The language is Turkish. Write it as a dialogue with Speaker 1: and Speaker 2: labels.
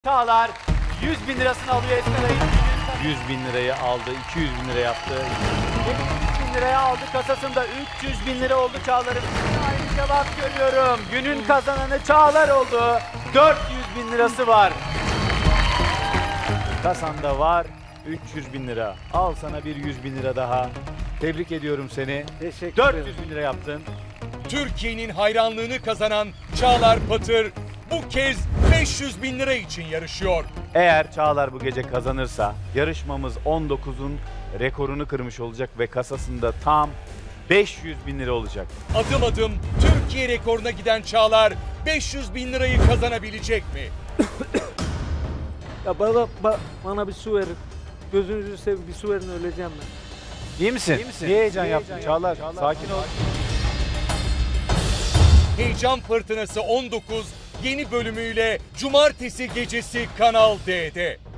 Speaker 1: Çağlar 100 bin lirasını alıyor Esmeray'ın. 100 bin lirayı aldı, 200 bin lira yaptı. 700 bin liraya aldı kasasında, 300 bin lira oldu Çağlar'ın. Aynı cevap görüyorum. Günün kazananı Çağlar oldu. 400 bin lirası var. Kasanda var 300 bin lira. Al sana bir 100 bin lira daha. Tebrik ediyorum seni.
Speaker 2: Teşekkür
Speaker 1: 400 bin lira yaptın.
Speaker 3: Türkiye'nin hayranlığını kazanan Çağlar Patır bu kez 500 bin lira için yarışıyor.
Speaker 1: Eğer Çağlar bu gece kazanırsa yarışmamız 19'un rekorunu kırmış olacak ve kasasında tam 500 bin lira olacak.
Speaker 3: Adım adım Türkiye rekoruna giden Çağlar 500 bin lirayı kazanabilecek mi?
Speaker 2: Ya bana bir su verin. Gözünüzü seveyim, bir su verin, öleceğim ben.
Speaker 1: İyi misin? Niye heyecan yaptın Çağlar? Sakin ol.
Speaker 3: Heyecan Fırtınası 19 yeni bölümüyle Cumartesi gecesi Kanal D'de.